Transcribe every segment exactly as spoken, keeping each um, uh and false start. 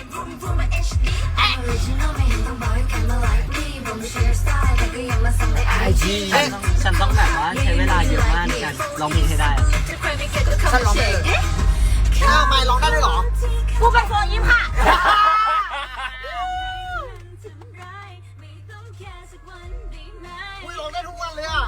ไอจีฉันต้องแบบว่าใช้เวลาเยอะมากในการร้องเพลงให้ได้ฉันร้องได้เลยอ้าวไม่ร้องได้ด้วยเหรอกูเป็นโฟยิมค่ะอุ้ยร้องได้ทุกวันเลยอ่ะ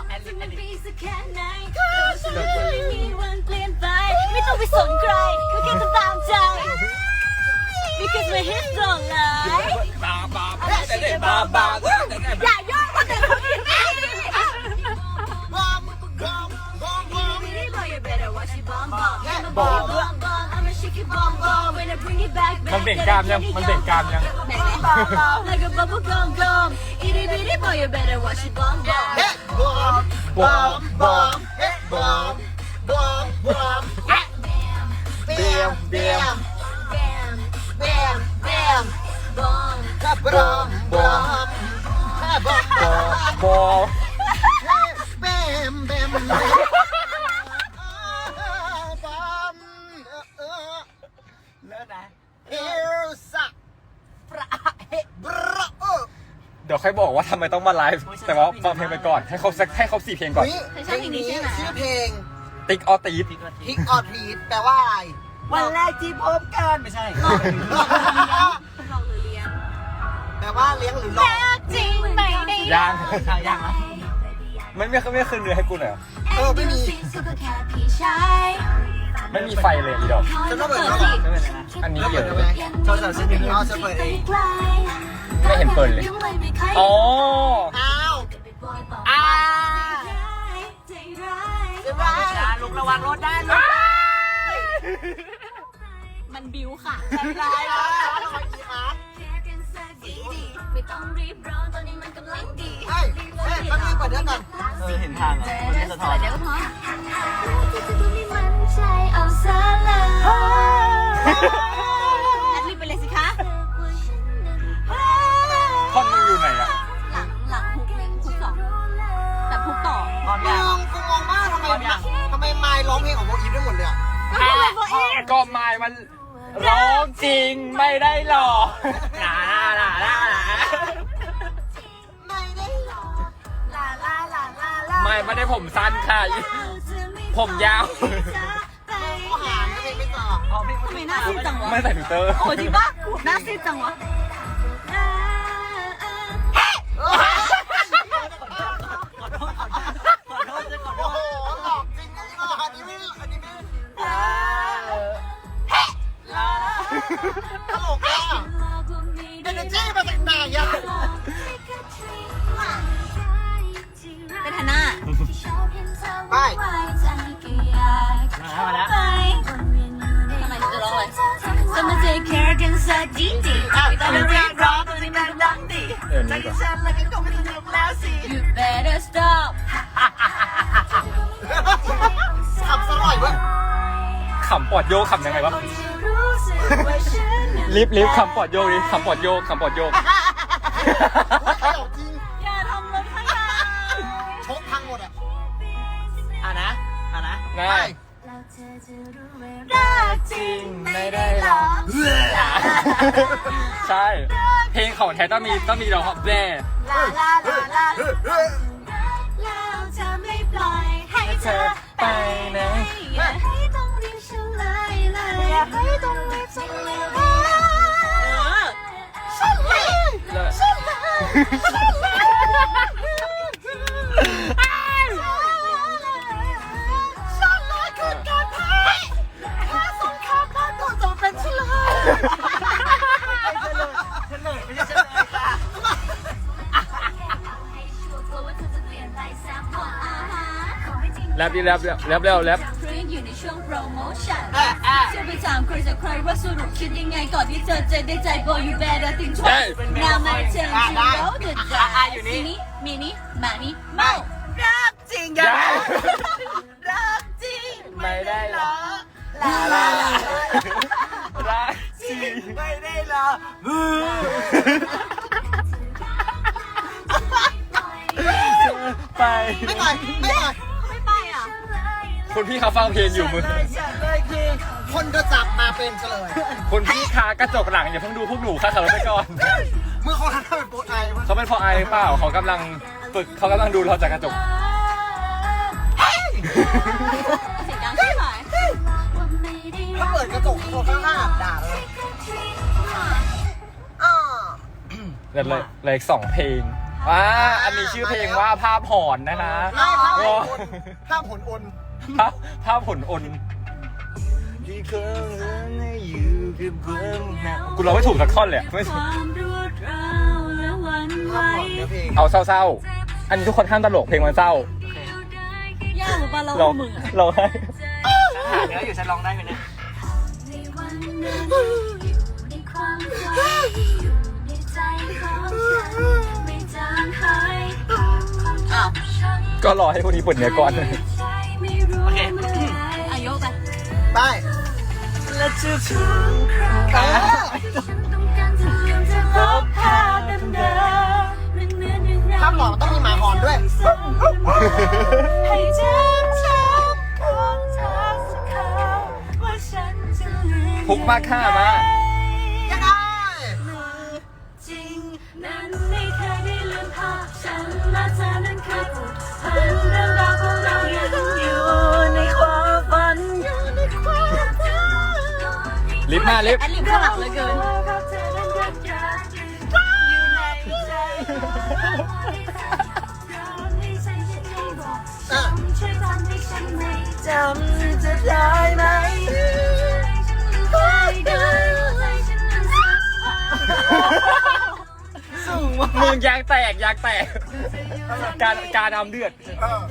ไม่ต้องไปสนใครไม่แค่ทำตามใจ because my hits don't lie บาบาบาบาอย่าย่อคนอื่นเขาอีกบอมบอมบอมบอมมันเบ่งกล้ามยังมันเบ่งกล้ามยัง like a bubble gum gum itty bitty boy you better watch it bomb bomb เฮ้บอมบอมบอมเฮ้บอมบอมบอมเบียมเบียมเบียมเบียมเบียมบอมบอมบอมบอมบอมบอลเบียมเบียมบอมเลิศนะเอลซ่าประเฮบราโอเดี๋ยวค่อยบอกว่าทำไมต้องมาไลฟ์แต่ว่าฟังเพลงไปก่อนให้ครบสักให้ครบสี่เพลงก่อนเพลงนี้ชื่อเพลงติ๊กออตีดฮิกออทรีดแปลว่าอะไรวันแรกที่พบกันไม่ใช่แปลว่าเลี้ยงหรือหลอกจริงไม่ได้ยังใช่ยังนะไม่ไม่ไม่คืนเนื้อให้กูหน่อยเออไม่มีไม่มีไฟเลยอีดอกฉันต้องเปิดแล้วไม่เป็นไรนะอันนี้แล้วเดี๋เปิยวดได้ไหมโทรศัพท์ฉันอยู่นี่อ๋อฉันเปิดเองไม่เห็นเปิดเลยอ๋ออ้าวอ่าเดี๋ยวว่าช้าลุกระวังรถได้ลูกมันบิวค่ะใจร้ายนะทำไมกี่ครั้งไม่ต้องรีบร้อนตอนนี้มันกำลังดีเฮ้ยเฮ้ยแป๊บนึงเปิดเรื่องก่อนเออเห็นทางเหรอมันไม่สะท้อนเดี๋ยวพอแอดลิปไปเลยสิคะท่อนมึงอยู่ไหนอะหลังหลังฮุกฮุกสองแต่ฮุกต่อพร้อมมยังองกูมองมากทำไมทำไมไมค์ร้องเพลงของโบอีฟได้หมดเลยอ่ะก็ไม้มันร้องจริงไม่ได้หลอกลาลาลาลาไม่ได้หรอกลาลาลาลาลาไม่ไม่ได้ผมสั้นค่ะผมยาวเขาหาเพลงไม่ต่ออ๋อพี่ทำไมหน้าซีดจังวะไม่ใส่ฟิลเตอร์โอ้จริงปะหน้าซีดจังวะขอโทษขอโทษขอโทษขอโทโอ้ษโหหลอกจริงนะนี่อันนี้ไม่อันนี้ไม่ตลกอ่ะเอเนจีมาจากไหนอ่ะเป็นฮันน่าไปมาแล้วทำไมจะร้องเลย Someone take care กันสักทีดีไม่ต้องเรียกร้องตัวนี้มันดังดีเออนี่ก่อนฉันแล้วก็ไม่ต้องลุกแล้วสิ You better stop ขับสลอยเว้ยขำปอดโยกขำยังไงวะลิฟลิฟขำปอดโยกดิขำปอดโยกขำปอดโยกตลกจริงอย่าทำรถข้างหน้าชกพังหมดอ่ะอ่ะนะอ่ะนะได้รักจริงไม่ได้หรอกใช่ เพลงของแท้ต้องมีต้องมีร้องแบ่ลาลาลาลาแล้วจะไม่ปล่อยให้เธอไปไหนอย่าให้ต้องรีบเฉลยเลยอย่าให้ต้องรีบเฉลยเฉลยเฉลยเฉลยคือการแพ้แพ้สงครามบ้านตัวจงเป็นเฉลยเฉลยไม่ใช่เฉลยค่ะแรปดิแรปแรปแรปเร็วแรปเพลงอยู่ในช่วงโปรโมชั่นจะไปถามใครสักใครว่าสรุปคิดยังไงก่อนที่เธอจะได้ใจ boy you better think twice now my turn to roll the dice อยู่นี่มินิมานี่เมารักจริงยังรักจริงไม่ได้หรอลาลาลารักจริงไม่ได้หรอไปไม่ไปไม่ไปไม่ไปอ่ะคุณพี่เขาฟังเพลงอยู่มึงฉันเลยคือคนก็จับมาเป็นเฉลยคุณพี่คากระจกหลังอย่าเพิ่งดูพวกหนูค่ะขับรถไปก่อนเมื่อเขาทำเป็นโปรไอวะเขาเป็นพอไอหรือเปล่าเขากำลังฝึกเขากำลังดูเราจากกระจกเสียงดังใช่ไหมถ้าเปิดกระจกคนข้างๆด่าเลยอ่าเหลือเลยเหลยสองเพลงอ่าอันนี้ชื่อเพลงว่าภาพหอนนะคะไม่ภาพโอ้ผลภาพผลอนภาพภาพผลอนที่เคยอยู่กับความหนาวกูร้องไม่ถูกสักท่อนเลยอะไม่ความรวดร้าวและหวันไหวภาพผลเนื้อเพลงเอาเศร้าๆ อันนี้ทุกคนห้ามตลกเพลงมันเศร้ายากหรือเปล่าเราร้องมึงอะร้องให้หาเนื้ออยู่ฉันร้องได้ไหมเนี่ยในวันนั้นอยู่ในความฝันอยู่ในใจของฉันไม่จางหายความทรงฉันก็รอให้พวกนี้ปวดเนื้อก่อนใจไม่รู้เมื่อไหร่อายุไปไปและจะถึงคราวเออฉันต้องการจะลืมจะลบภาพเดิมๆเรื่องเนื้อเรื่องราวภาพหมอต้องมีหมาหอนด้วยให้จำชับของเธอสักคำว่าฉันจะลืมพุกมากค่ามายังไงจริงนั้นไม่เคยได้ลืมภาพฉันและเธอนั้นเคยผูกพันเรื่องราวของเรายังอยู่ในความฝันอยู่ในความฝันลิฟต์มาลิฟต์แอดลิฟต์ข้างหลังเหลือเกินอยู่ในใจอ่ะช่วยทำให้ฉันไม่จำจะได้ไหมสูงมากมึงยางแตกยางแตก การการทำเดือดเออ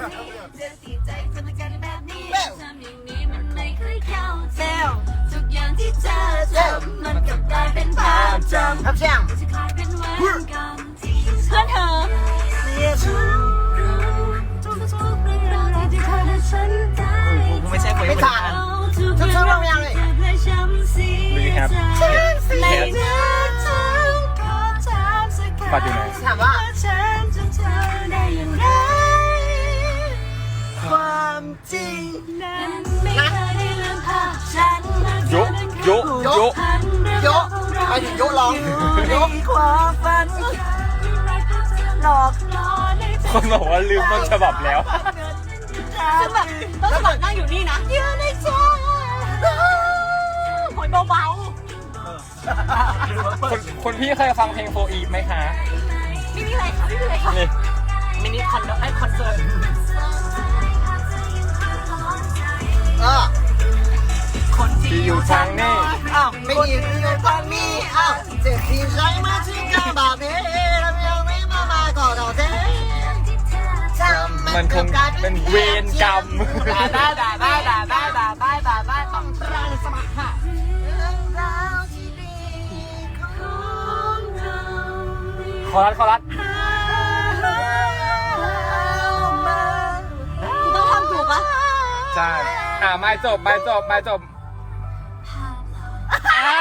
ทำอย่างนี้มันไม่เคยเข้าใจทุกอย่างที่เธอทำมันกลับกลายเป็นภาพจำครับเชียงจะกลายเป็นวันกรรมที่เพื่อนเธอทุกรู้ทุกทุกเรื่องราวที่เธอและฉันได้กูไม่ใช่คนไม่คนทันนั้นทุกเรื่องราวที่เธอและฉันเสียใจในเนื้อเธอขอถามสักคำปัดอยู่ไหนถามว่าฉันจำเธอได้อย่างไรความจริงนั้นไม่เคยได้ลืมภาพฉันโยะโยะโยะโยะไปถึงโยะร้องโยะความฝันหลอกล่อในใจคนบอกว่าลืมต้นฉบับแล้วซึ่งแบบต้นฉบับนั่งอยู่นี่นะอยู่ในใจโหยเบาคนคนพี่เคยฟังเพลงโฟอีฟไหมคะๆไม่มีอะไรค่ะไม่มีอะไรค่ะนี่มินิคอนไอคอนเสิร์ตเออคนที่อยู่ทางนี้อ้าวไม่มีเรื่องตอนนี้อ้าวเจ็บที่ใจมาที่กำบาเบ้แล้วยังไม่มามาก่อนเราเท่จำมันคงเป็นเวรกรรมด่าได้ด่าได้ด่าได้ด่าได้ด่าได้ต้องรังสมัครค่ะเรื่องราวที่ดีของเราคอรัสคอรัสคุณต้องทำถูกปะใช่ อ่าไม่จบไม่จบไม่จบอ่า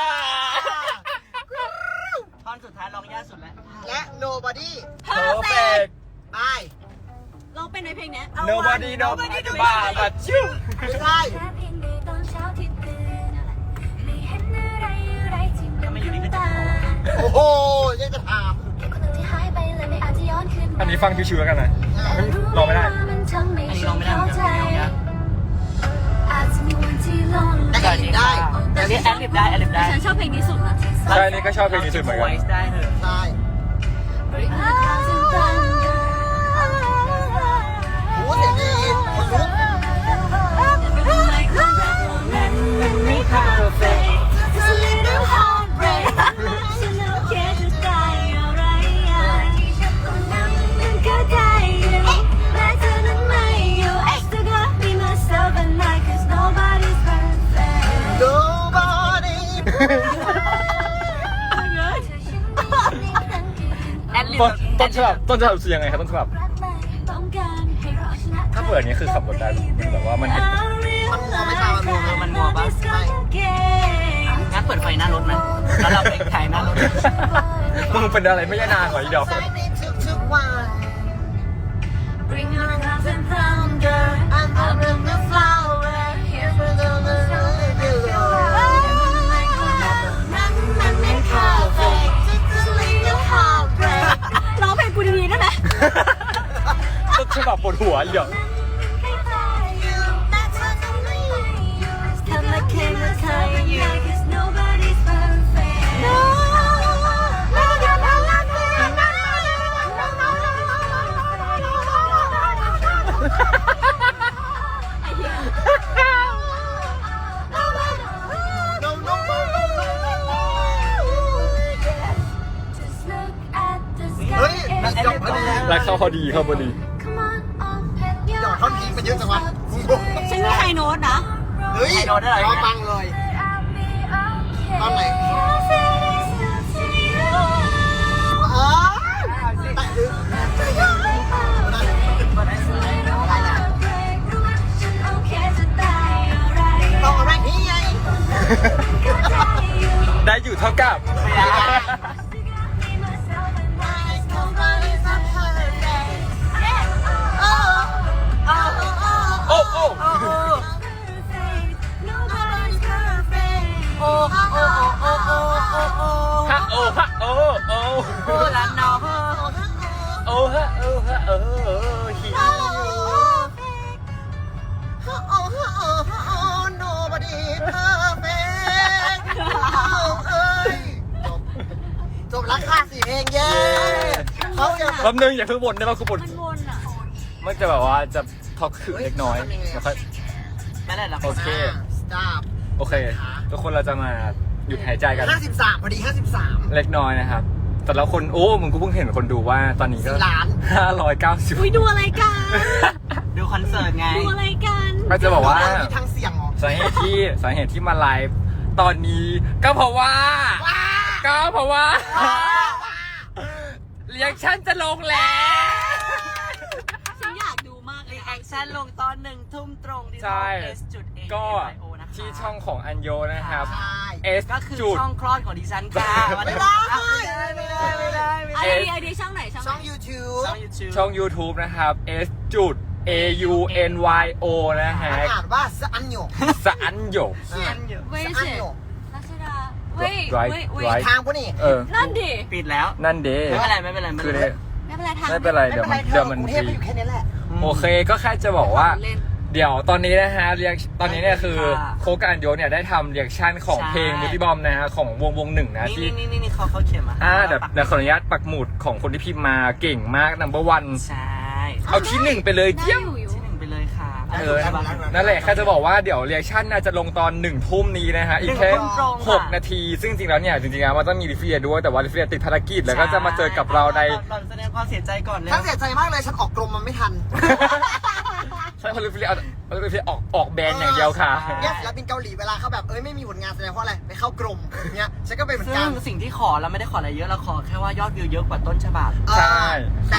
ท่อนสุดท้ายร้องยากสุดแล้วและ nobody เพอร์เฟกไปลองเป็นในเพลงเนี้ย nobody nobody บ้าบัดชิวไม่ใช่แค่เพียงในตอนเช้าที่ตื่นไม่เห็นอะไรอะไรที่เหมือนกับตาโอ้โหยังจะถามคนหนึ่งที่หายไปเลยไม่อาจจะย้อนคืนมาอันนี้ฟังชิวๆแล้วกันนะมันรอไม่ได้มันทำให้อันนี้ฉัร้องนไม่ได้เข้าเหมือนใจกันร้องยากอาจจะมีวันที่ลงแต่แต่อีนี้กได้แต่นี้แอดลิบได้แอดลิบได้ฉันชอบเพลงนี้สุดนะใช่นี่ก็ชอบเพลงนี้สุดเหมือนกันไวส์ได้เถอะใช่ โอ้เสียงดีคนลุก nobody แอดลิบต้นต้นฉบับต้นฉบับคือยังไงครับต้นฉบับ ถ้าเปิดนี้คือขับรถได้มันแบบว่ามันเห็นมันมัวไม่ตามมันมัวเออมันมัวปะไม่งั้นเปิดไฟหน้ารถนะแล้วเราไปถ่ายหน้ารถมึงเป็นอะไรไม่ใช่นางเหรออีดอกใช้ในทุกๆวัน Bring your clouds and thunder and I bring the flower here for the หัวเดี๋ยว Come like came to tell you, 'cause nobody's perfect. No, no, no, no, no, no, Just look at the เฮ้ย sky นัก and ยกพอดีรักเข้าพอดีเข้าพอดี come on up and เดี๋ยวท่อนพีคมันเยอะจังวะฉันมีไฮโน้ตนะเฮ้ยรอฟังเลย ตอนไหน อ๋อแต่ดึกต้องอะไรนี่ไงได้อยู่เท่ากับ โอ้โอ้โอ้โอ้โอ้โอ้โอ้โอ้โอ้ฮะโอ้ฮะโอ้โอ้โอ้ละน้องโอ้ฮะโอ้ฮะโอ้ฮิวโอ้โอ้โอ้โอ้ nobody perfect เอ้ยจบจบราคาสี่เพลงเย้เขาจะแป๊บนึงอย่าเพิ่งบ่นได้ป่ะกูบ่นมันวนอ่ะมันจะแบบว่าจะท็อกคือเล็กน้อยเดี๋ยวค่อยไม่ได้หรอกโอเค stop โอเค ทุกคนเราจะมาหยุดหายใจกันห้าสิบสามพอดีห้าสิบสามเล็กน้อยนะครับ แต่ละคนโอ้มึงกูเพิ่งเห็นคนดูว่าตอนนี้ก็สี่ล้านห้าร้อยเก้าสิบอุ้ยดูอะไรกันดูคอนเสิร์ตไงดูอะไรกันก็จะบอกว่ามีทางเสียงเหรอสาเหตุที่สาเหตุที่มาไลฟ์ตอนนี้ก็เพราะว่าว้าก็เพราะว่าว้าเรียกชั่นจะลงแล้วฉันอยากดูมากเลยรีแอคชั่นลงตอนหนึ่งทุ่มตรงที่ใช่ช่อง S จุด A ก็ O นะคะที่ช่องของอันโยนะครับใช่ S ก็คือจุดช่องคลอดของดิฉันค่ะไม่ได้ไม่ได้ไม่ได้ไม่ได้ไอไม่ได้เดียไอเดียช่องไหนช่องไหนช่อง YouTube ช่อง YouTube ช่อง YouTube นะครับ S จุด A U N Y O นะฮะอ่านว่าสอันโยสะอันโยอ่าเว้ยสอันสิโยรัชดาเว้ย Right เว้ยเว้ย Right ทางพวกนี้เออนั่นดิปิดแล้วนั่นเด้ไม่เป็นไรไม่เป็นไรไม่คือเป็นไรเด้ไม่เป็นไรทางไม่เป็นไรไม่เดี๋ยวเป็นมัไรนเธเดี๋ยอวมันกรุงเทพก็อยู่แค่นี้แหละโอเคก็แค่จะบอกว่าเล่นเดี๋ยวตอนนี้นะฮะเรียกตอนนี้เนี่ยคือโคกกับอันโยเนี่ยได้ทำเรียกชั่นของเพลงมูติบอมนะฮะของวงวงหนึ่งนะนี่ที่นี่นี่นี่เขาเขาเขียนมาอ่าเดี๋ยวเดี๋ยวขออนุญาตปักหมุดของคนที่พิมพ์มาเก่งมาก number one ใช่เอาที่หนึ่งไปเลยได้เยี่ยมอยู่อยู่ที่หนึ่งไปเลยค่ะเออนั่นแหละแค่จะบอกว่าเดี๋ยวเรียกชั่นน่าจะลงตอนหนึ่งทุ่มนี้นะฮะอีกแค่หนึ่งทุ่มตรงค่ะหกนาที ซึ่งจริงๆแล้วเนี่ยจริงๆแล้วมันต้องมีลิเฟียด้วยแต่ว่าลิเฟียติดภารกิจแล้วก็จะมาเจอกับเราในเราแสดงความเสียใจก่อนเลยฉันเสียใจมากเลยฉันออกกรมมันไม่ทันใช่เพราะลิเฟียเอาลิเฟียออกออกแบรนด์อย่างเดียวค่ะเนี่ยศิลปินเกาหลีเวลาเขาแบบเอ้ยไม่มีผลงานแสดงเพราะอะไรไปเข้ากรมเนี้ยฉันก็เป็นเหมือนซึ่กังนสิ่งที่ขอเราไม่ได้ขออะไรเยอะเราขอแค่ว่ายอดวิวเยอะกว่าต้นฉบับเออใช่แต่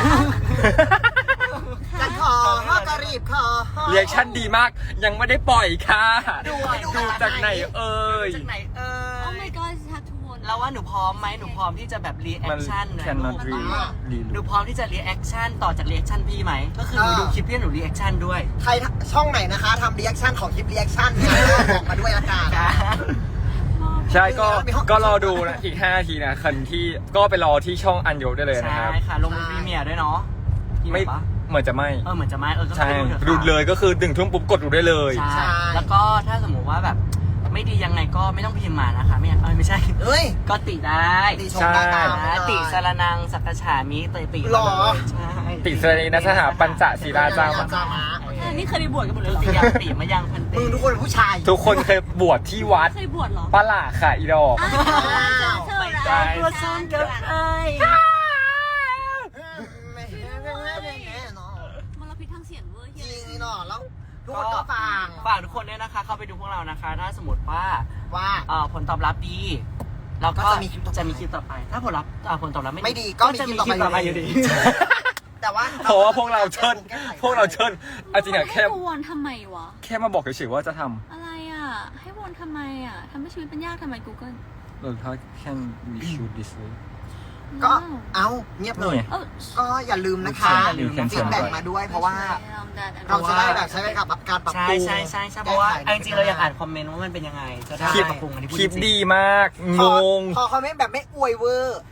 ฉันขอพ่อกรีบขอเรียกชั่นดีมากยังไม่ได้ปล่อยค่ะดูดูดูจากไหนเอ่ยจากไหนเอโอ้อ my god ทัทุวนเราว่าหนูพร้อมไหมหนูพร้อมที่จะแบบรีแอมัคน ชั่นนะ cannot ลู read กหนูพร้อมที่จะรีแอคชั่นต่อจากรีแอคชั่นพี่ไหมก็คือหนูดูคลิปพี่หนูรีแอคชั่นด้วยใครช่องไหนนะคะทำรีแอคชั่นของคลิปรีแอคชั่นเนี่ยบอกมาด้วยละกันใช่ก็ก็รอดูนะอีกห้านาทีนะคันที่ก็ไปรอที่ช่องอันโยได้เลยนะใช่ครับค่ะลงพรีเมียร์ด้วยเนาะไม่ปะเหมือนจะไม่เออเหมือนจะไม่เออก็ใช่ไปถอะค่ะดูเลยก็คือดึงทุ่มปุ๊บกดดูได้เลยใช่แล้วก็ถ้าสมมติว่าแบบไม่ดียังไงก็ไม่ต้องพิมพ์มานะคะไม่เออไม่ใช่เฮ้ยก็ติได้ติชมได้ตามนะได้ติสารนังสักกะฉามิเตยติหรอใช่ติสรีนัสหาปัญจศีลาจามาจามานี่เคยไปบวชกันหมดเลยเหรอติยังติมายังพันติมึงทุกคนเป็นผู้ชายทุกคนเคยบวชที่วัดเคยบวชเหรอปะหล่าค่ะอีดอกอ้าวเธอไปรัได้กตัวซ้ำกับไอ้ไม่เห็นไม่เห็นไม่เห็นเนาะมลพิษทางเสียงเวอร์จเฮีริยงนี่เนาะแล้วทุกคนก็ฟังฝากทุกคนด้วยนะคะ เข้าไปดูพวกเรานะคะ ถ้าสมมติว่าว่าเอ่อผลตอบรับดีเราก็ก็จะมีคลิปต่อไปจะมีคลิปต่อไป ถ้าผลลัพธ์เอ่อผลตอบรับไม่ไม่ดีก็มีจะคลิมีปคลิปต่ต่ออไปไปอยู่ดีแต่ว่าเพราะว่าพวกเราเชิญพวกเราเชิญเอาจริงอะแค่ให้วนทำไมวะแค่มาบอกเฉยๆว่าจะทอะไรอ่ะ ให้วนทำไมอ่ะทำให้ชีวิตเป็นยากทำไม Google ำเออถ้าแค่ we shoot this way ก็เอาเงียบเลยเออก็อย่าลืมนะคะอย่าลืมนะฟีดแบ็กมาด้วยเพราะว่า เราจะได้แบบใช้ไปกับการปรับใช่ปรุงใช่ใช่ใช่เพราะว่าเอาจริงๆเราอยากอ่านคอมเมนต์ว่ามันเป็นยังไงจะได้คลิปปรับปรุงอันนี้พูดคลิปจริงๆดีมากพงอง พอคอมเมนต์แบบไม่อวยเวอร์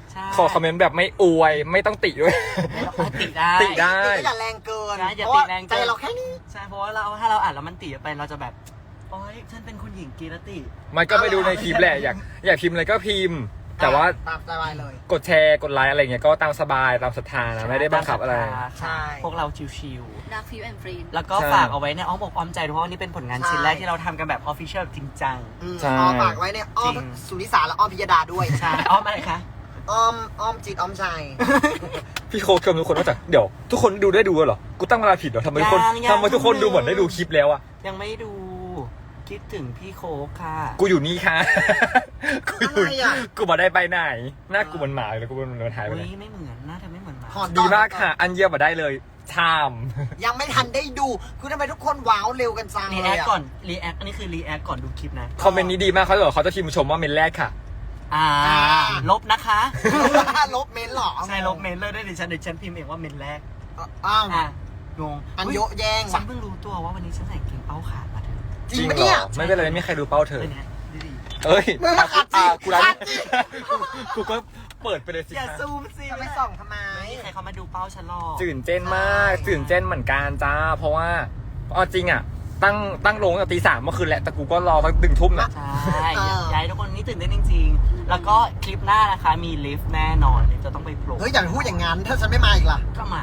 ใช่ขอคอมเมนต์แบบไม่อวยไม่ต้องติด้วยติได้ติได้ก็อย่าแรงเกินใช่อย่าเพราะติว่าแรงใจเกินเราแค่นี้ใช่เพราะว่าเราถ้าเราอ่านแล้วมันติไปเราจะแบบโอ๊ยฉันเป็นคุณหญิงกีรติมันก็ไปดูในคลิปแหละอยากอยากพิมพ์อะไรก็พิมพ์ แต่ว่าตามสบายเลยกดแชร์กดไลค์อะไรเงี้ยก็ตามสบายตามศรัทธานะไม่ได้บังคับอะไรใช่พวกเราชิวดักฟิวแอนด์ฟรีๆแล้วก็ใช่ฝากเอาไว้ในอ้อมอกอ้อมใจด้วยเพราะว่านี่เป็นผลงานชิ้นแรกที่เราทำกันแบบออฟฟิเชียลจริงจังอืมใช่ขอฝากไว้เนี่ยอ้อมจริงสุนิสาและอ้อมพิยดาด้วยใช่อ้อมอะไรคะอ้อมอ้อมจิตอ้อมใจพี่โค้ชชมทุกคนว่าจากเดี๋ยวทุกคนดูได้ดูเหรอกูตั้งเวลาผิดเหรอทำไมทุกคนยังยังทำไมทุกคนดูเหมือนได้ดูคลิปแล้วอะยังไม่ดูคิดถึงพี่โคกค่ะกูอยู่นี่ค่ะ กูอยู่อะไรอะกูมาได้ไปไหนหน้ากูเหมันหมาเลยกูมันมันหายไปอุ้ไหนยไม่เหมือนหน้าเธอไม่เหมือนหมาถอดีมากค่ะ อันเยี่ยมมาได้เลยชามยังไม่ทันได้ดู คือทำไมทุกคนว้าวเร็วกันจังรีเลแอย คอะก่อนรีแอคอันนี้คือรีแอคก่อนดูคลิปนะคอมเมนต์นี้ดีมากเขาจะบอกเขาจะพิมพ์ชมว่าเมนแรกค่ะอ่า ลบนะคะลบเมนเหรอใช่ลบเมนเลยได้ดิฉันเดี๋ยวฉันพิมพ์เองว่าเมนแรกอ้าวอ่ะงงอันโยะแยงฉัว่ะนเพิ่งรู้ตัวว่าวันนี้ฉันใส่กางเกงเป้าขาดมาเถอะจริงเหปะรเนี่ยอไม่เป็นไรไม่มีใครดูเป้าเธอเลยเนี่ยดูดิเอ้ยมึงมาขัดสิอ่ะกูรัขัดสิกูก็เปิดไปเลยสิอย่าคะซูมสิจะไปส่องทำไมไม่มีใครเขามาดูเป้าฉันหรอกตื่นเต้นมากตื่นเต้นเหมือนกันจ้า เพราะว่าเอาจริงอ่ะ ตั้งตั้งโรงตั้งแต่ตีสามเมื่อคืนแหละแต่กูก็รอตั้งดึงทุ่มนะใช่อยากให้ทุกคนนี่ตื่นเต้นจริงๆ แล้วก็คลิปหน้านะคะมีลิฟต์แน่นอนเดี๋ยวจะต้องไปโผล่เฮ้ยอย่าพูดอย่างนั้นถ้าฉันไม่มาอีกล่ะก็มา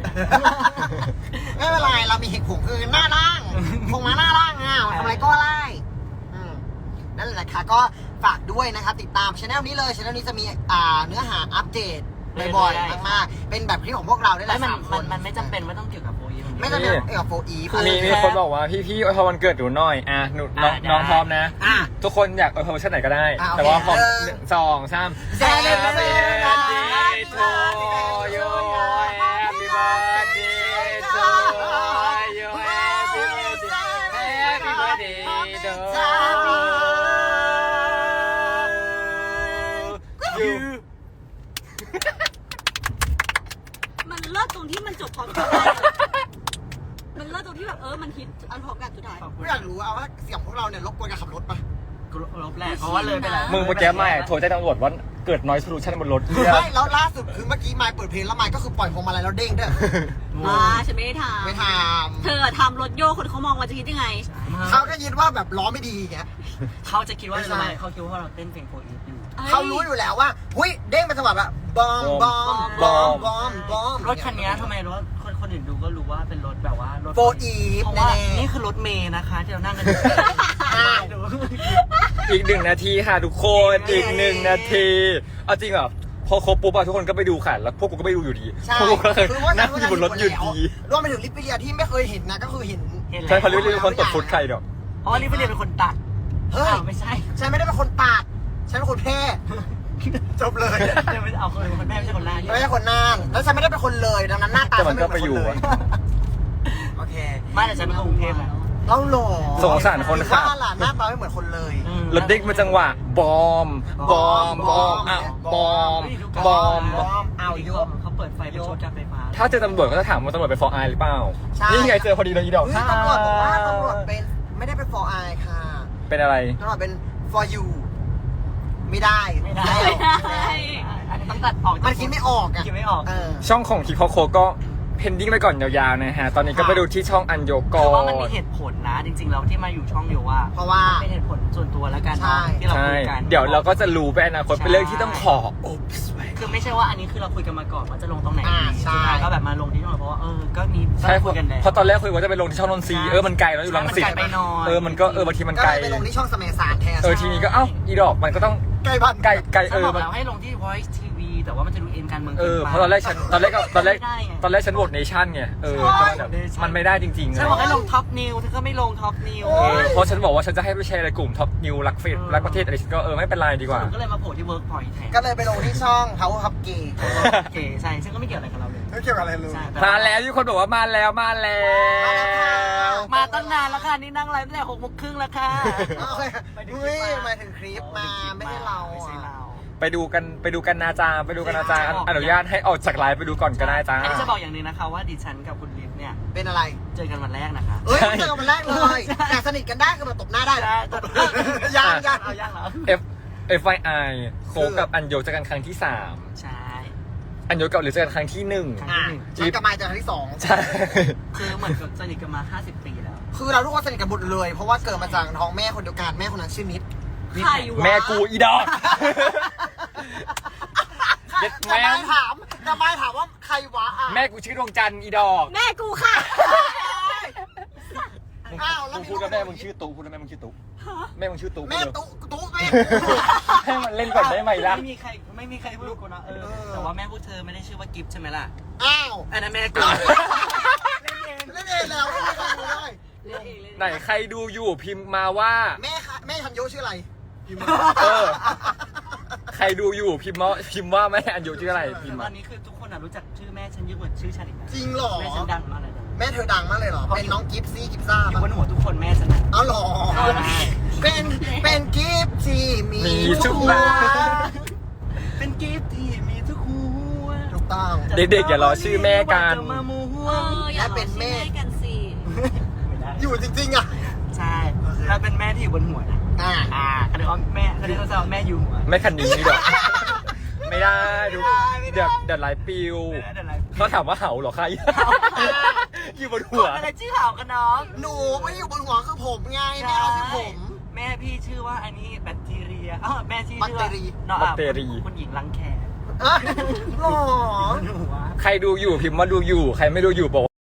ไม่เป็นไรเรามีเหตุผลคือหน้าล่างคงมาหน้าล่างอ่ะทำอะไรก็ได้อืมนั่นแหละค่ะก็ฝากด้วยนะครับติดตามช anel นี้เลยช anel นี้จะมีอ่าเนื้อหาอัปเดตบ่อยๆมากๆเป็นแบบคลิปของพวกเราได้แหแล้วละมันสามคมันนมันไม่จำเป็นว่าต้องเกี่ยวกับโปรยไม่จำเป็นเกี่ยวกับโฟอีฟมีมีคนบอกว่าพี่พี่อวยพรวันเกิดหนูหน่อยอ่ะหนูน้องอ่ะได้น้องพร้อมนะอ่ะทุกคนอยากอวยพรเวอร์ชันไหนก็ได้อ่ะโอเคแต่ว่าพอหนึ่งหนึ่งสองสาม Happy Happy birthday birthday to you Happy birthday to you Happy birthday Happy birthday to you มันเลิศตรงที่มันจบพร้อมกันมันเลิศตรงที่แบบเออมันฮิตอันพร้อมกันสุดท้ายกูอยากรู้เอาว่าเสียงพวกเราเนี่ยรบกวนการขับรถปะกูลบแหละเพราะว่าเลยไปแล้วมึงเมื่อกี้ไม่โทรแจ้งตำรวจว่าเกิด noise pollution บนรถเหี้ยไม่แล้วล่าสุดคือเมื่อกี้ไมค์เปิดเพลงแล้วไมค์ก็คือปล่อยพวงมาลัยแล้วเด้งด้วยอ่าฉันไม่ได้ทำไม่ทเธอทำรถโยกคนเขามองว่าจะคิดยังไงำเขาก็ยินว่าแบบล้อไม่ดีไงเขาจะคิดว่าไม่ใช่ทำไมเขาคิดว่าเราเต้นเพลงโปรยอยู่เขารู้อยู่แล้วว่าหุ้ยเด้งเป็นจังหวะแบบบอมบอมบอมบอมบอมรถคันนี้ทำไมรถคนคนอื่นดูก็รู้ว่าเป็นรถแบบว่ารถโฟอีฟเพราะแน่ว่านี่คือรถเมย์นะคะที่เรานั่งกันอยู่อ้าวดูอีกหนึ่งนาทีค่ะทุกคนอีกหนึ่งนาทีเอาจริงเหรอพอครบปุ๊บอะทุกคนก็ไปดูค่ะแล้วพวกกูก็ไปดูอยู่ดีใช่พวกกูก็เลยคือว่านั่งอยู่บนรถอยู่ดีรวมไปถึงลิปปิเลียที่ไม่เคยเห็นนะก็คือเห็นเห็นแล้วใช่พอรู้ว่าคนตกฟุตใครเดี๋ยวอ๋อนี่ไปเรียนเป็นคนตัดเฮ้ยอ้าวไม่ใช่ฉันไม่ได้เป็นคนปาดฉันเป็นคนแพ้จบเลยเดี๋ยวไม่เอาคนคนแม่ไม่ใช่คนหน้าไม่ใช่คนน่านแล้วฉันไม่ได้เป็นคนเลยดังนั้นหน้าตาแต่ฉัมันนก็ไม่ไปเป็นอคนยู่เลอะยโอเคไม่แต่ฉันเป็นคนกรุงเทพนะเล่าหล่อสงสารคนขับว่าล่ะหน้าตาไม่เหมือนคนเลยอืมรถเด็กมาจังหวะบอมบอมบอมอ้าวบอมบอมบอมเอาโยกเขาเปิดไฟเป็นโชว์การไฟฟ้าถ้าเจอตำรวจก็จะถามว่าตำรวจเป็นฟอร์ไอหรือเปล่าใช่นี่ไงเจอพอดีเลยอีดอกเฮ้ยตำรวจบอกว่าตำรวจเป็นไม่ได้เป็น for I ค่ะเป็นอะไรตำรวจเป็น for you ไม่ได้ไม่ได้ไม่ได้อันนี้ต้องตัดออกมันคิดไม่ออกอ่ะคิดไม่ออกเออช่องของคิโคโคก็เพนดิ้งไปก่อนยาวๆนะฮะ ตอนนี้ก็ไปดูที่ช่องอันโยกคืออว่ามันมีเหตุผลนะ จริงๆแล้วที่มาอยู่ช่องโยว่าเพราะว่าเป็นเหตุผลส่วนตัวแล้วกันใช่เนาะที่เราใช่คุยกันเดี๋ยวเราก็จะรู้ไปอนาคตเป็นเรื่องที่ต้องขออุ๊บส์ไว้คือไม่ใช่ว่าอันนี้คือเราคุยกันมาก่อนว่าจะลงตรงไหนอ่าดีใช่สุดท้ายก็แบบมาลงที่ช่องเราเพราะว่าเออก็มีใช่คุยกันแล้วเพราะตอนแรกคุยว่าจะไปลงที่ช่องนนทรีใช่เออมันไกลแล้วอยู่รังสิตใช่มันไกลไปหน่อยเออมันก็เออบางทีมันก็ไกลเลยไปลงที่ช่องสมัยสารแทนเออทีนี้ก็เอ้าอีดอกมันก็ต้องใกล้บ้านไกลไกลฉัเอนบออกมันแล้วให้ลงที่ Voice ที วี แต่ว่ามันจะดูเอ็นการเมืองเอกินอไปเพราะตอนแรกฉันตอนแรกก็ตอนแรกไม่ได้ไงตอนแรกฉันโหวตเนชั่นไงเออก็แบบมันไม่ได้จริงๆฉันเลยบอกให้ลงท็อปนิวเธอก็ไม่ลงท็อปนิวเออเพราะฉันบอกว่าฉันจะให้ไปแชร์ในกลุ่มท็อปนิวรักเฟซรักประเทศอะไรฉันก็เออไม่เป็นไรดีกว่าก็เลยมาโผล่ที่ Workpoint แทนก็เลยไปลงที่ช่อง Power Hub Gay เก๋ใช่ซึ่งก็ไม่เกี่ยวอะไรกับเราเลยไม่เกี่ยวกับอะไรเลยใช่ต่มาแล้วที่คนบอกว่ามาแล้วมาแล้วมาตั้งนานแล้วค่ะนี่นั่งไลฟ์ตั้งแต่หกโมงครึ่งแล้วค่ะโอเคเฮ้ยหมายถึงคลิปมาไม่ใช่เราไม่ใช่อ่ะเราไปดูกันไปดูกันนาจาไปดูกันนาจาอนุญาตให้ออกจากไลฟ์ไปดูก่อนก็ได้จ้าอันนี้จะบอกอย่างหนึงนะคะว่าดิฉันกับคุณลิฟเนี่ยเป็นอะไรเจอกันวันแรกนะคะเอ้ยใช่เจอกันวันแรกเลยใช่แต่สนิทกันได้คือแบบตบหน้าได้ใช่ตบยังยังเอายังเหรอเอฟเอฟ ไอ ไอ โคกับอันโยเจอกันครั้งที่สามใช่อันโยกับหรือเจอกันครั้งที่หนึ่งอ่ะฉันกับมายเจอครั้งที่สองใช่คือเหมือนกับสนิทกันมาห้าสิบปีแล้วคือเราทุกคนสนิทกันหมดเลย เพราะว่าเกิดมาจากท้องแม่คนเดียวกันแม่คนนั้นชื่อนิดใครวะแม่กูอีดอก เย็ดแม่แต่มายถามแต่มายถามว่าใครวะอ่ะแม่กูชื่อดวงจันทร์อีดอกแม่กูค่ะอ้าวแล้วมึงพูดกับแม่มึงชื่อตุ๊พูดกับแม่มึงชื่อตุ๊แม่มึงชื่อตุ๊แม่พูดเลยตุ๊ตุ๊แม่ให้มันเล่นก่อนได้ไหมล่ะไม่มีใครไม่มีใครพูดกูนะเออแต่ว่าแม่พวกเธอไม่ได้ชื่อว่ากิฟต์ใช่ไหมล่ะอ้าวอันนั้นแม่กูเล่นเองแล้วไม่มีใครรู้ได้เล่นเองเล่นไหนใครดูอยู่พิมพ์มาว่าแม่ค่ะแม่ทันโยชื่ออะไรพิมพ์มาเออ ใครดูอยู่พิมพ์มาพิมพ์ว่าแม่อันโยชื่ออะไรพิมพ์ตมาอนนี้คือทุกคนอะรู้จักชื่อแม่ฉันเยอะกว่าชื่อฉันอีกนะจริงเหรอแม่ฉันดังมากเลยนะแม่เธอดังมากเลยเหรอเป็นน้องกิฟซี่กิฟซ่าอยู่บนหัวทุกคนแม่ฉันนะอ๋อเหรอใช่เป็นเป็นกิฟที่มีมีทุกหับ้านเป็นกิฟต์ที่มีทุกหัวถูกต้องเด็กๆอย่ารอชื่อแม่กันจะมามัวเอออย่าเป็นแม่กันสิไม่ได้อยู่จริงๆอ่ะใช่ถ้าเป็นแม่ที่อยู่บนหัวนะอ่าอ่าเขาเรียกว่าแม่เขาเรียกว่าแม่อยู่หัวแม่คันนี้นี่ดอกไม่ได้ดูเดี๋ยวเดี๋ยวไลฟ์ปิวไม่ได้อะไรเขาถามว่าเห่าเหรอใคร อยู่บนหัวอะไรชื่อเห่ากันน้องหนูไม่ได้อยู่บนหัวคือผมไงแม่เขาชื่อผมแม่พี่ชื่อว่าอันนี้แบคทีเรียอ้าวแม่ชื่อแบคทีรีน้องแบคทีรีคุณหญิงรังแคอ่ะหรอหัวใครดูอยู่พิมพ์มาดูอยู่ ใครไม่ดูอยู่บอกว่า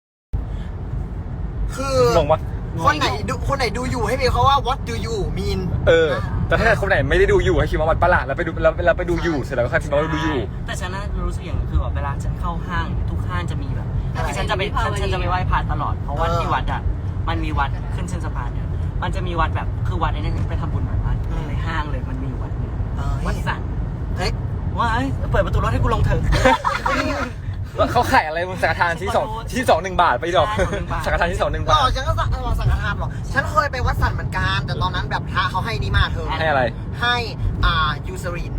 คืองงปะคนไหนดูคนไหนดูอยู่ให้มีเขาว่า what do you mean เออ แต่ถ้าคนไหนไม่ได้ดูอยู่ให้พิมพ์มาวัดประหลาดแล้วไปดูแล้วแล้วไปดูอยู่เสร็จแล้วก็ค่อยพิมพ์มาว่าดูอยู่แต่ฉันน่ะรู้สึกอย่างนึงคือแบบเวลาฉันเข้าห้างทุกห้างจะมีแบบคือฉันจะไปฉันฉันจะไปไหว้พระตลอดเพราะว่าที่วัดอ่ะมันมีวัดขึ้นเส้นสะพานเนี่ยมันจะมีวัดแบบคือวัดไอ้นี่ฉันไปทำบุญหน่อยวัดในห้างเลยมันมีอยู่วัดหนึงเออวัดสันเฮ้ยว่าเอ้ยเปิดประตูรถให้กูลงเถอะแล้วเขาขายอะไรมึงสังฆทานที่สองที่สองหนึ่งบาทไปดอกใช่สองหนึ่งบาทสังฆทานที่สองหนึ่งหรบาอทฉันก็สั่งเออสังฆทานหรอฉันเคยไปวัดสันเหมือนกันแต่ตอนนั้นแบบพระเขาให้นี่มาเธอให้อะไรให้อ่ายูซริน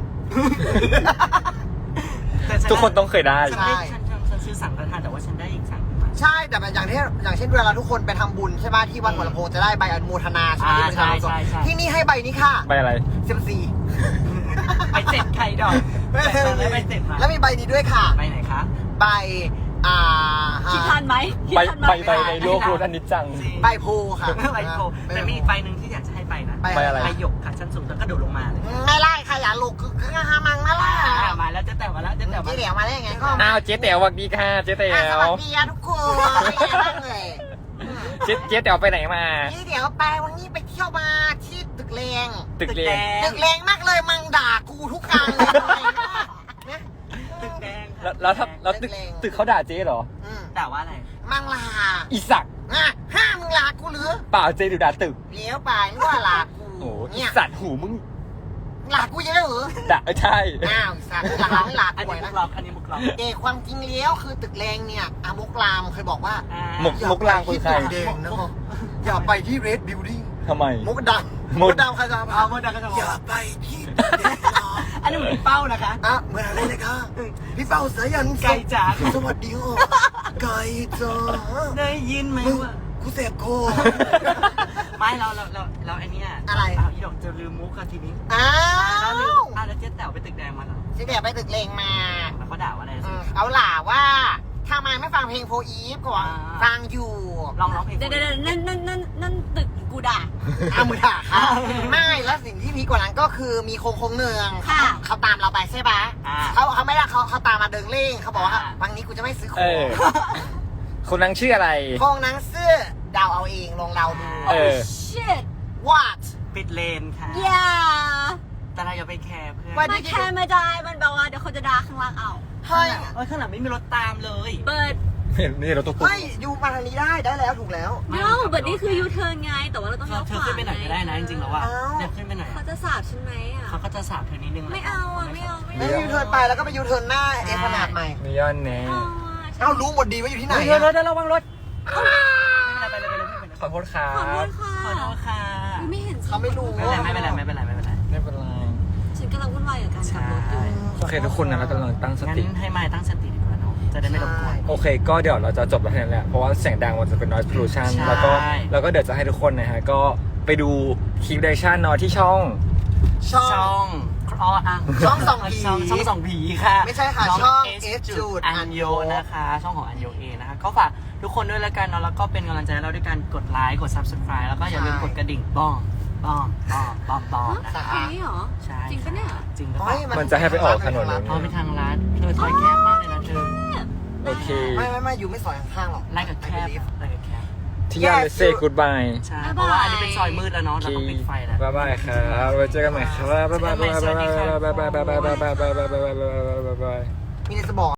แต่ฉัทุกคนต้องเคยได้ฉันได้ฉันฉันฉันซื้อสั่งกระทานแต่ว่าฉันได้อีกสั่งหนึ่งมาใช่แต่แบบอย่างที่อย่างเช่นเวลาทุกคนไปทำบุญใช่ไหมที่วัดหัวลำโพงจะได้ใบอนุโมทนาใช่ไหมอ่าที่ประชาชนใช่ใช่ใช่ที่นี่ให้ใบนี้ค่ะไปอะไรเซมซีไปเสร็จใครดอกแต่ฉันได้ไปเสร็จมาแล้วมีใบนี้ด้วยค่ะไปไหนคะใบอ่าคิดทันไหมคิดไปทันไหมไปไปในโลกโลกอันนี้จังใบโพค่ะไปโกแต่มีอีกใบหนึ่งที่อยากจะให้ไปนะใบใบอะไรไปหยกค่ะชั้นสูงแล้วก็โดดลงมาเลยไม่ไล่ค่ะอย่าลูกคือคือหามังนะล่ะอ่ามาแล้วเจะแต่มาแล้วเจะแต่มาที่เหลียวมาได้ยังไงก็อ้าวเจ๊แต๋วสวัสดีค่ะเจ๊แต๋อ่ะสววัสดีอะทุกคนเป็นไงบ้างเลยเจ๊เจ๊แต๋วไปไหนมาที่เดี๋ยวไปวันนี้ไปเที่ยวมาที่ตึกแรงตึกเรียนตึกแรงมากเลยมังด่ากูทุกการเลยทำไมวะนะตึกแดงแล้วแล้วถ้าแล้วตึกตึกเขาด่าเจ๊เหรออืมแต่ว่าอะไรมังลาอีสักอ่ะห้ามมึงลากูหรือเปล่าเจ๊ดูด่าตึกเลี้ยวไปนึกว่าลากูโอ้อีเนี่ยสัตว์หูมึงลากูเยอะเหรอด่าเออใช่อ้าวสัตว์ลาไม่ลาอันกูนี้มุนะกล็อกอันนี้มุกล็อกเด็กความจริงเลี้ยวคือตึกแรงเนี่ยอามุกรามเคยบอกว่าอ่าหมกมกลางคือใครอย่าไปที่ตึกแดงนะครับอย่าไปที่เรดบิลดิ้งทำไมมุกดำมุมุกกดำใครจะเอาพาเมื่อดังก็จะบออย่ากไปที่ตึกแดงนะอันนี้เหมือนเป้านะคะอ่ะเหมือนอะไรเลยค่ะพี่เป้าสายันไก่จ๋าสวัสดีค่ะไก่จ๋าได้ยินไหมมึงว่ากูเสพโคไม่เราเราเราเราไอเนี้ยอะไรเอาอีดอกจะลืมมุกค่ะทีนี้อ้าแล้วลืมวอ่ะแล้วเจ๊แต๋วไปตึกแดงมาเหรอที่เดียวไปตึกเลงมาแล้วเขาด่าว่าอะไรอืสิมเอาล่ะว่าทำไมไม่ฟังเพลงโฟอีฟก่อนอ่าฟังอยู่ลองร้องเพลงเดี๋ยวเดี๋ยวเดี๋ยวนั่นนั่นนั่นนั่นตึกกูด่าเอามือด่าค่ะไม่แล้วสิ่งที่พีคกว่านั้นก็คือมีโคงโคงเนืองค่ะเขาตามเราไปใช่ปะอ่าเขาเขาไม่ได้เขาเขาตามมาเดินเล่งเขาบอกว่าอ่าวันนี้กูจะไม่ซื้อขเอองอ คนนั้นชื่ออะไรโคงหนังเสื้อเดาเอาเองลองเดาดูเออ shit what ปิดเลนค่ะ yeah แต่เราอย่าไปแคร์เพื่อนว่าไม่แค่ไม่ได้มันแบบว่าเดี๋ยวเขาจะด่าข้างล่างเอาเฮ้ยเอ้ยข้างหลังไม่มีรถตามเลยเบิร์ดเห็นนี่เราตุ๊กตุ๊กเฮ้ยอยู่มาทางนี้ได้ได้แล้วถูกแล้ว no เบิร์ดนี่คือยูเทิร์นไงแต่ว่าเราต้องเธเลี้อยวเธขอวาขึ้นไปหน่อยก็ได้นะจริงๆแล้วว่าอ้าวเนี่ยขึ้นไปหน่อยเขาจะสาบฉันไหมอ่ะเขาก็จะสาบเธอนิดนึงแหละไม่เอาอ่ะไม่เอาไม่แล้วเอายูเทิร์นไปแล้วก็ไปยูเทิร์นหน้าเอขนาดใหม่มีย้อนแน่เอาอ่ะฉันเอ้ารู้หมดดีว่าอยู่ที่ไหนเฮ้ยอะเธอเธอระวังรถไม่เป็นไรไปเลยไปเลยไปเลยขอโทษครัขอโทบษค่ะขอโทษค่ะไม่เห็นเขาไม่รู้ไม่เป็นไรไม่เป็นไรไม่เป็นไรไม่เป็นไรไม่เป็นไรไม่เป็นไรฉันกำลังวุ่นวายกับการขับรถอยู่โอเคทุกคนนะเรากำลังตั้งสงั้นติให้มายตั้งสติดีกว่าเนาะจะได้ไม่รบกวนโอเค ก็เดี๋ยวเราจะจบแล้วแค่นั้นแหละ เพราะว่าเสียงดังมันจะเป็น noise pollution ใช่แล้วก็แล้วก็เดี๋ยวจะให้ทุกคนนะฮะ ก็ไปดูคลิปเดชั่นเนาะที่ช่องช่องช่องอ๋ออ่ะช่องส่องผีช่องช่องส่องผีค่ะไม่ใช่ค่ะช่องเอ S จุจุดดอันโยนะคะ ช่องของอันโยเอนะคะก็ฝากทุกคนด้วยแล้วกันเนาะแล้วก็เป็นกำลังใจให้เราด้วยการกดไลค์กด subscribe แล้วก็อย่าลืมกดกระดิ่งบ้องบ้องบ้องบ้องบ้องนะสาคะเพลงนี้เหรอใช่จริงปะเนี่ยจริงหรือเปเฮ้ล่ายมันจะให้ไปออกถนนนู้นเพราะเป็นทางลัดเธอซอยแคบมากเลยนะเธอโอเคไม่ไม่ไม่อยู่ไม่ซอยข้างๆหรอกไล่กับแคบไล่กับแคบที่ยาเลเซ่กูดบายใช่เพราะว่าอันนี้เป็นซอยมืดแล้วเนาะเราต้องปิดไฟแล้วบ๊ายบายครับไว้เจอกันใหม่ครับบ๊ายบายบ๊ายบายบ๊ายบายบ๊ายบายบ๊ายบายบ๊ายบายบ๊ายบายบ๊ายบายบ๊ายบายมีในสมอง